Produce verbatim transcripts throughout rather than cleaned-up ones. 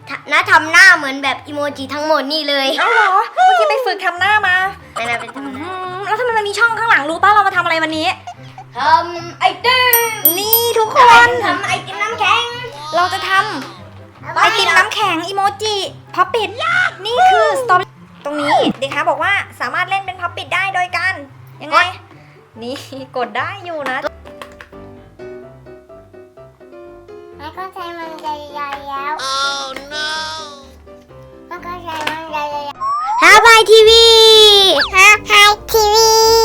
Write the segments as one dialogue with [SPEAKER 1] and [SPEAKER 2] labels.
[SPEAKER 1] น้าทำหน้าเหมือนแบบอีโมจิทั้งหมดนี่เลย
[SPEAKER 2] เอ้าเหรอเมื่อกี้ไปฝึกทำหน้ามา
[SPEAKER 1] ไม่น่าเป็นทำห
[SPEAKER 2] อื
[SPEAKER 1] น้าม
[SPEAKER 2] แล้วทำไมมันมีช่องข้างหลังรู้ป่ะเรามาทำอะไรวันนี้
[SPEAKER 1] ทำไอติม
[SPEAKER 2] นี่ทุกคน
[SPEAKER 1] ทำไอติมน้ำแข็ง
[SPEAKER 2] เราจะทำไอติมน้ำแข็งอีโมจิพับปิดนี่คือสตรอเบอรี่ตรงนี้เด็กคะบอกว่าสามารถเล่นเป็นพับปิดได้โดยการยังไงนี่กดได้อยู่นะ
[SPEAKER 3] มันก็ใช้มันใหญ่ๆแล้ว oh no มันก็ใช้มันใหญ่ๆ
[SPEAKER 1] ฮาบายทีวี
[SPEAKER 3] ฮะไฮทีวี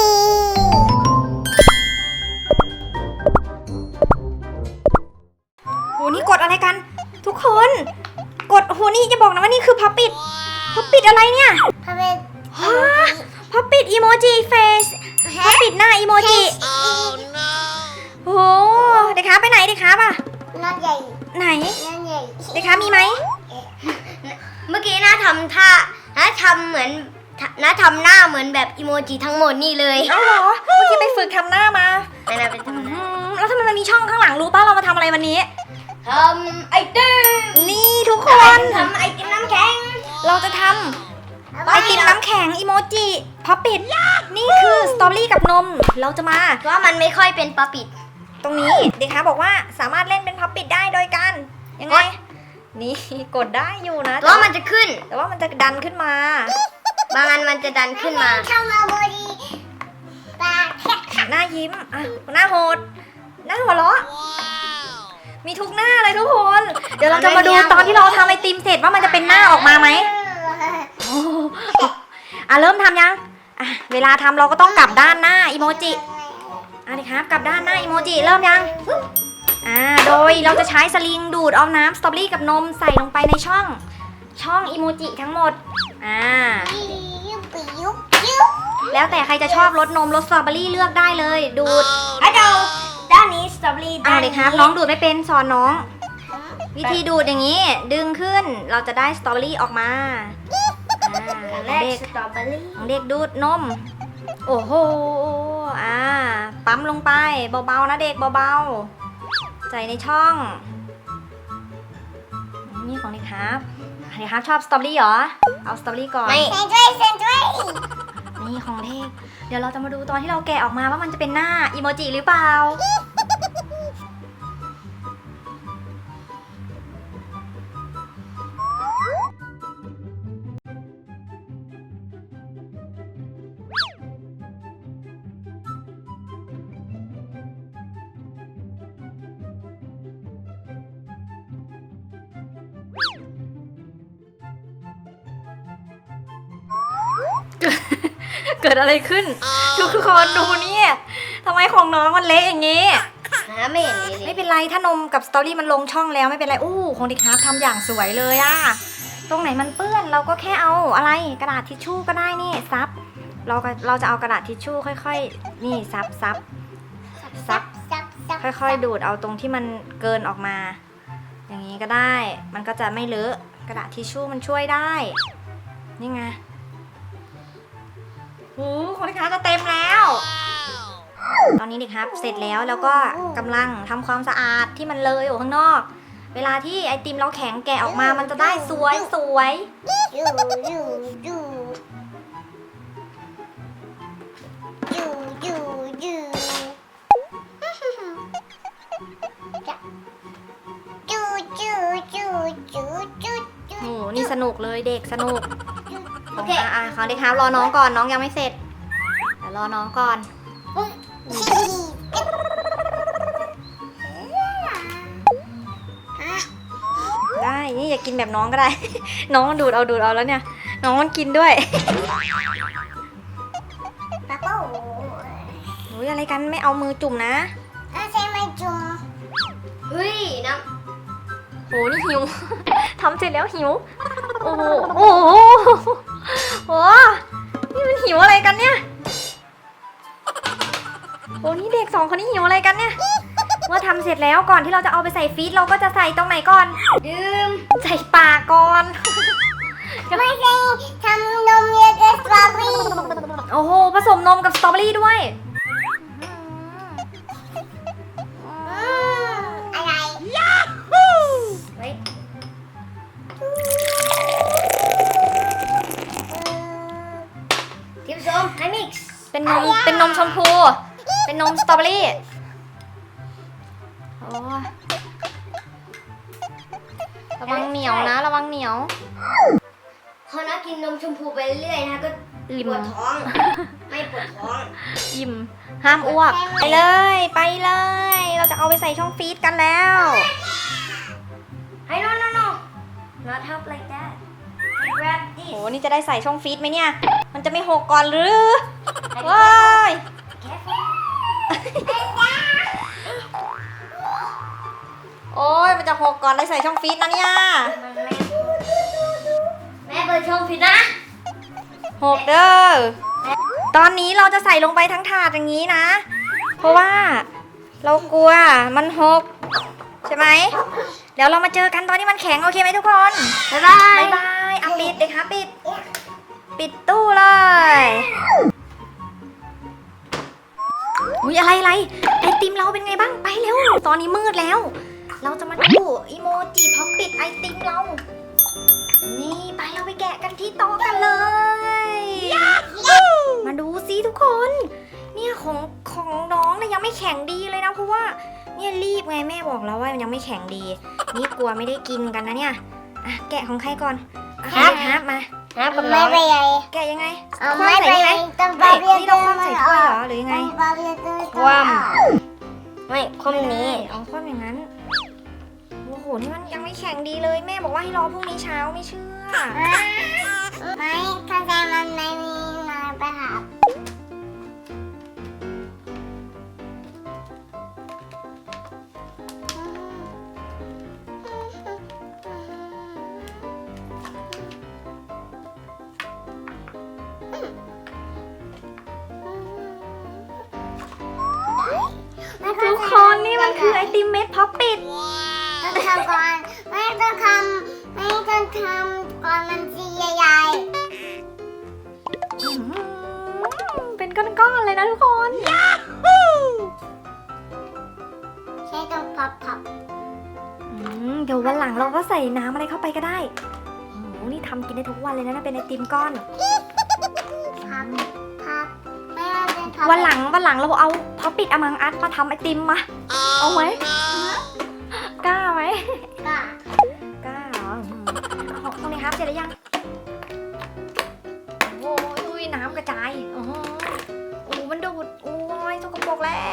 [SPEAKER 2] โหนี่กดอะไรกัน ทุกคนกดโหนี่จะบอกนะว่านี่คือพับปิดพับปิดอะไรเนี่ย
[SPEAKER 3] พาเป็น
[SPEAKER 2] ฮะพับปิดอีโมจิเฟสพับปิดหน้าอีโมจิโอ้เด็กคะไปไหนเด็กคะป่ะ
[SPEAKER 3] น้องใหญ่
[SPEAKER 2] ไหน
[SPEAKER 3] น้องใหญ่
[SPEAKER 2] เด็กคะมีไหม
[SPEAKER 1] เมื่อกี้น้าทำท่าน้าทำเหมือนน้าทำหน้าเหมือนแบบอีโมจิทั้งหมดนี่เลย
[SPEAKER 2] เอ้าเหรอเมื่อกี้ไปฝึกทำหน้ามา
[SPEAKER 1] ไม่น่าเป็นทำห
[SPEAKER 2] อื
[SPEAKER 1] น้าม
[SPEAKER 2] แล้วทำไมมันมีช่องข้างหลังรู้ป่ะเรามาทำอะไรวันนี้
[SPEAKER 1] ทำไอติม
[SPEAKER 2] นี่ทุกคน
[SPEAKER 1] ทำไอติมน้ำแข็ง
[SPEAKER 2] เราจะทำไอติมน้ำแข็งอีโมจิพับปิดนี่คือสตรอเบอรี่กับนมเราจะมา
[SPEAKER 1] ว่ามันไม่ค่อยเป็นปลาปิด
[SPEAKER 2] ตรงนี้เด็กคะบอกว่าสามารถเล่นเป็นพับปิดได้โดยการยังไง
[SPEAKER 1] กด
[SPEAKER 2] นี่กดได้อยู่นะ
[SPEAKER 1] ว่ามันจะขึ้น
[SPEAKER 2] แต่ว่ามันจะดันขึ้นมา
[SPEAKER 1] บางอันมันจะดันขึ้นมา
[SPEAKER 3] ทำมาบดีปลาแค่
[SPEAKER 2] หน้ายิ้มอ่ะหน้าโหดหน้าหัวเราะมีทุกหน้าเลยทุกคน เดี๋ยวเราจะมาดูตอนที่เราทำไอติมเสร็จว่ามันจะเป็นหน้าออกมาไหมโอ้อ่ะเริ่มทำยังอ่ะเวลาทำเราก็ต้องกลับด้านหน้าอีโมจิอ่ะดิครับกลับด้านหน้าอีโมจิเริ่มยังอ่าโดยเราจะใช้สลิงดูดเอาน้ำสตรอเบอรี่กับนมใส่ลงไปในช่องช่องอีโมจิทั้งหมดอ่า
[SPEAKER 3] ยุบยุบยุบ
[SPEAKER 2] แล้วแต่ใครจะชอบรสนมรสสตรอเบอรี่เลือกได้เลยดูด
[SPEAKER 1] อ่ะเดาด้านนี้สตรอเบอรี่
[SPEAKER 2] อ่า
[SPEAKER 1] ด้าน
[SPEAKER 2] เด็
[SPEAKER 1] นี้
[SPEAKER 2] กครับน้องดูดไม่เป็นสอนน้อง วิธีดูดอย่างนี้ ดึงขึ้นเราจะได้สตรอเบอรี่ออกมาอ่า
[SPEAKER 1] แร
[SPEAKER 2] ของ
[SPEAKER 1] ก
[SPEAKER 2] เด็ก
[SPEAKER 1] สตรอเบอรี่
[SPEAKER 2] ของเด็กดูดนม โอ้โหอ่าปั๊มลงไปเบาๆนะเด็กเบาๆใส่ในช่องนี่ของเด็กครับเด็กครับชอบสตรอเบอรี่เหรอเอาสตรอเบอรี่ก่อน
[SPEAKER 1] ไม่
[SPEAKER 3] เซนด้วยเซนด้วย
[SPEAKER 2] นี่ของเด็กเดี๋ยวเราจะมาดูตอนที่เราแกะออกมาว่ามันจะเป็นหน้าอีโมจิหรือเปล่า เกิดอะไรขึ้น ทุกคนดูเนี่ยทำไมของน้องมันเละอย่างงี้
[SPEAKER 1] หาไม่เห็นเลย
[SPEAKER 2] ไม่เป็นไรถ้านมกับสตอรี่มันลงช่องแล้วไม่เป็นไรอู้ของเด็กฮาร์ฟทำอย่างสวยเลยอะตรงไหนมันเปื้อนเราก็แค่เอาอะไรกระดาษทิชชู่ก็ได้นี่ซับเราก็เราจะเอากระดาษทิชชู่ค่อยๆนี่ซับซับซับ
[SPEAKER 3] ซับซับ
[SPEAKER 2] ค่อยๆดูดเอาตรงที่มันเกินออกมา อย่างนี้ก็ได้ มันก็จะไม่เลอะกระดาษทิชชู่มันช่วยได้นี่ไงโอ้ของเด็กฮาร์ฟจะเต็มแล้ว ตอนนี้เด็กครับเสร็จแล้วแล้วก็กำลังทำความสะอาดที่มันเลยอยู่ข้างนอก เวลาที่ไอติมเราแข็งแกะออกมามันจะได้สวยสวย
[SPEAKER 3] ยูยูยูยูยูยูจูจูจูจูจู
[SPEAKER 2] โอ้นี่สนุกเลยเด็กสนุกโอเคอ่ะของเด็กครับรอน้องก่อนน้องยังไม่เสร็จเดี๋ยวรอน้องก่อนได้นี่อยากกินแบบน้องก็ได้ น้องมันดูดเอาดูดเอาแล้วเนี่ยน้องมันกินด้วย
[SPEAKER 3] ป๊าปู
[SPEAKER 2] โอ้ยอะไรกันไม่เอามือจุ่มนะ
[SPEAKER 3] อาใช้ไม้จุ่ม
[SPEAKER 1] เฮ้ยน้
[SPEAKER 2] โหนี่หิว ทำเสร็จแล้วหิวโอ้โหโอ้โหโอ้นี่มันหิวอะไรกันเนี่ยโอ้นี่เด็กสองคนนี้หิวอะไรกันเนี่ยเมื่อทำเสร็จแล้วก่อนที่เราจะเอาไปใส่ฟรีซเราก็จะใส่ตรงไหนก่อน
[SPEAKER 1] ำดื่ม
[SPEAKER 2] ใส่ปากก่อน
[SPEAKER 3] ไม่ใช่ทำนมเยอะกับสตรอเบอรี่
[SPEAKER 2] โอ้โหผสมนมกับสตรอเบอรี่ด้วย
[SPEAKER 3] อะไร
[SPEAKER 1] เฮ้ย
[SPEAKER 2] เป็นนมเป็นนมชมพู เป็นนมสตรอเบอรี่โอ้ยระวังเหนียวนะระวังเหนียว
[SPEAKER 1] พอนะกินนมชมพูไปเรื่อยๆนะก็
[SPEAKER 2] อิ่ม
[SPEAKER 1] ปวดท้อง ไม่ปวดท้อง
[SPEAKER 2] อิ่มห้ามอ้วกไปเลยไปเลย เราจะเอาไปใส่ช่องฟรีซกันแล้ว
[SPEAKER 1] Hey no no no not help like that I grab
[SPEAKER 2] โห
[SPEAKER 1] this
[SPEAKER 2] นี่จะได้ใส่ช่องฟรีซไหมเนี่ย มันจะไม่หกก่อนหรือว้าย
[SPEAKER 1] careful
[SPEAKER 2] โอ้ยมันจะหกก่อนได้ใส่ช่องฟรีซนะเนี่ย
[SPEAKER 1] มันแม่แม่เปิดช่องผิดนะ
[SPEAKER 2] หกเด้อตอนนี้เราจะใส่ลงไปทั้งถาดอย่างนี้นะ เพราะว่าเรากลัวมันหกใช่ไหมเดี๋ยวเรามาเจอกันตอนที่มันแข็งโอเคไหมทุกคน
[SPEAKER 1] บ๊ายบาย
[SPEAKER 2] บายบายอ่ะปิดเลยค่ะปิด ปิดตู้เลย อุ้ยอะไรอะไรไอติมเราเป็นไงบ้างไปเร็ว ตอนนี้มืดแล้ว เราจะมาดูอีโมจิพอปิดไอติมเรา นี่ไปเราไปแกะกันที่โต๊ะกันเลย มาดูซิทุกคน เนี่ยของของน้องเนี่ยยังไม่แข็งดีเลยนะเพราะว่าเนี่ยรีบไงแม่บอกแล้วว่ามันยังไม่แข็งดี นี่กลัวไม่ได้กินกันนะเนี่ยอ่ะแกะของใครก่อนอ่ะครับครับมา
[SPEAKER 1] นะกับน้
[SPEAKER 3] ไม่
[SPEAKER 1] อง
[SPEAKER 3] ไปใหญ่
[SPEAKER 2] แกะยังไง
[SPEAKER 3] เอา
[SPEAKER 2] คว่ำ
[SPEAKER 3] ไม่
[SPEAKER 2] ใส่
[SPEAKER 3] ไป
[SPEAKER 2] นี่
[SPEAKER 3] ให
[SPEAKER 2] ไหม
[SPEAKER 3] ญ่ต้อง
[SPEAKER 2] ไม่
[SPEAKER 3] บาเบีย
[SPEAKER 2] นี่เราคว่ำใส่ถ้วยเหรอหรือยังไง
[SPEAKER 3] บาเบียต้อง
[SPEAKER 1] คว่ำไม่คว่ำนี้
[SPEAKER 2] เอาคว่ำอย่างนั้นโอ้โหนี่มันยังไม่แข็งดีเลยแม่บอกว่าให้รอพรุ่งนี้เช้าไม่เชื่อ
[SPEAKER 3] ไม่เข้าใจมันไม่มีนายไปหา
[SPEAKER 2] ทุกคนนี่มันคือไอติมเม็ดพับปิด
[SPEAKER 3] ต้องทำก่อนไม่ต้องทำไม่ต้องทำก่อนมันจีใหญ่
[SPEAKER 2] อืมเป็นก้อนๆเลยนะทุกคน
[SPEAKER 3] ๆใช้ต้องพับพับ
[SPEAKER 2] อืมเดี๋ยววันหลังเราก็ใส่น้ำอะไรเข้าไปก็ได้โอ้โหนี่ทำกินได้ทุกวันเลยนะเป็นไอติมก้อน
[SPEAKER 3] พับพับไม่ว่าเป็นพับ
[SPEAKER 2] วันหลังวันหลังเราเอาพับปิดอมังอัดมาทำไอติมมา เอาไหมกล้าไหม
[SPEAKER 3] ก็
[SPEAKER 2] กล้าเหรออืมเอาตรงนี้ครับเสร็จแล้วยังโอ้ยอุ้ยน้ำกระจายโอ้โหโอ้โหมันดูดโอ้ยสกปรกแล้ว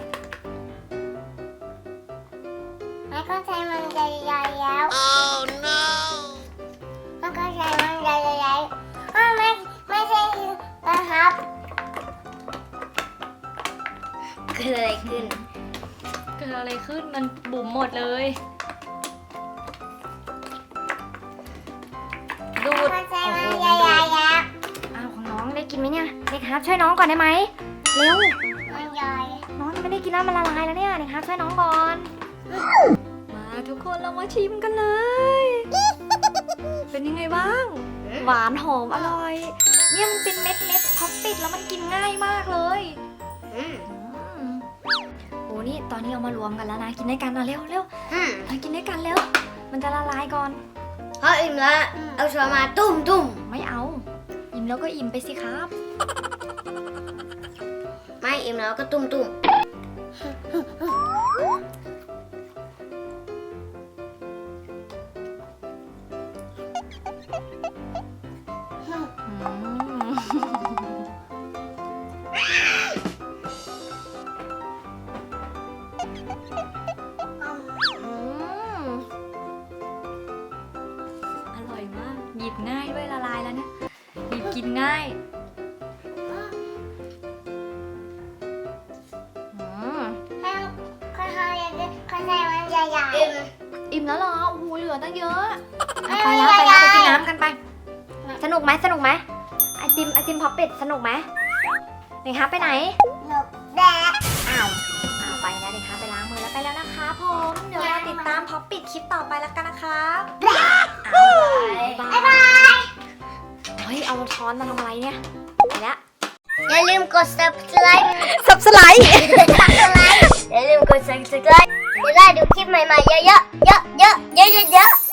[SPEAKER 3] ไม่เข้าใจมันใหญ่ๆแล้ว oh no ไม่เข้าใจมันใหญ่ๆอ้าวไม่ไม่ใช่นะครับ
[SPEAKER 1] เกิดอะไรขึ้น
[SPEAKER 2] เกิดอะไรขึ้นมันบุ๋มหมดเลยดูด
[SPEAKER 3] เข้าใจมันใหญ่ๆแล้ว
[SPEAKER 2] อ้าวของน้องได้กินไหมเนี่ยเด็กครับช่วยน้องก่อนได้ไหมเร็ว
[SPEAKER 3] มันใหญ่
[SPEAKER 2] น้องยังไม่ได้กินแล้วมันละลายแล้วเนี่ยเด็กครับช่วยน้องก่อนมาทุกคนเรามาชิมกันเลย เป็นยังไงบ้าง หวานหอมอร่อยเนี่ยมันเป็นเม็ดเม็ดพับปิดแล้วมันกินง่ายมากเลย
[SPEAKER 1] อืม
[SPEAKER 2] อืมโอ้นี่ตอนนี้เอามารวมกันแล้วนะกินด้วยกันนะเร็วเร็ว
[SPEAKER 1] อืม
[SPEAKER 2] มากินด้วยกันเร็วมันจะละลายก่อน
[SPEAKER 1] พออิ่มแล้วเอาช้อนมาตุ้มตุ้ม
[SPEAKER 2] ไม่เอาอิ่มแล้วก็อิ่มไปสิครับ
[SPEAKER 1] ไม่อิ่มแล้วก็ตุ้มตุ้ม
[SPEAKER 2] อืมอร่อยมากหยิบง่ายด้วยละลายแล้วเนี่ยหยิบกินง่ายอืม
[SPEAKER 3] ให้เข้าใจเข้าใจมันใหญ่
[SPEAKER 1] อิ่ม
[SPEAKER 2] อิ่มแล้วเหรอโอ้โหเหลือตั้งเยอะ
[SPEAKER 3] ๆ
[SPEAKER 2] ไปแล้วไปแล้วไปกินน้ำกันไป สนุกไหมสนุกไหมไอติมไอติมพับเป็ดสนุกไหมเด็กครับไปไหน
[SPEAKER 3] หนุกแดก
[SPEAKER 2] อ้าวอ้าวไปแล้วเด็กครับไปล้างมือแล้วไปแล้วนะคะผมเดี๋ยวเราติดตามพับปิดคลิปต่อไปแล้วกันนะครับอ้าวบ๊ายบายเฮ้ยเอาช้อนมาทำอะไรเนี่ยไปแล้ว
[SPEAKER 1] อย่าลืมกด subscribe
[SPEAKER 2] สับสไลด์
[SPEAKER 1] อย่าลืมกด subscribe จะได้ดูคลิปใหม่ๆเยอะๆเยอะๆเยอะๆเยอะๆ